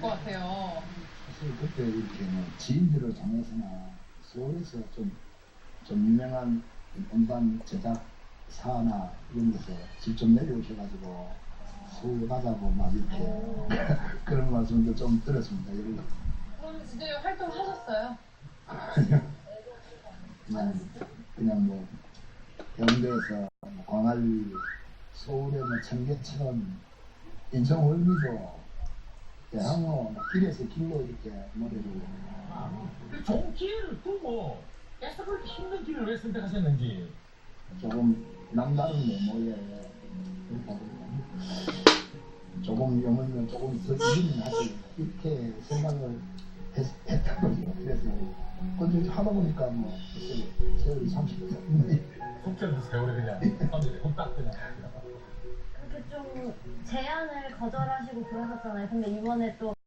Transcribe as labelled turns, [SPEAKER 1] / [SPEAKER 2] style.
[SPEAKER 1] 것 같아요.
[SPEAKER 2] 사실 그때 이렇게 뭐 지인들을 통해서나 서울에서 좀 유명한 음반 제작사나 이런 데서 직접 내려오셔가지고 서울 가자고 막 이렇게 그런 말씀도 좀 들었습니다.
[SPEAKER 1] 그럼 진짜 활동하셨어요?
[SPEAKER 2] 그냥 뭐 경대에서 광안리, 서울의 뭐 청계천, 인천 월미도, 대항로 길에서 길로 이렇게 노래를.
[SPEAKER 3] 좋은 기회를 두고 계속 그렇게 힘든 길을 왜 선택하셨는지.
[SPEAKER 2] 조금 남다른 메모에 조금 영어면 조금 더 유린하지 이렇게 생각을 했던 거죠. 그래서 근데 하다 보니까 뭐 세월이 30년
[SPEAKER 3] 속전도 세월에 그냥 후딱 그냥.
[SPEAKER 4] 그렇게 좀 제안을 거절하시고 그러셨잖아요. 근데 이번에 또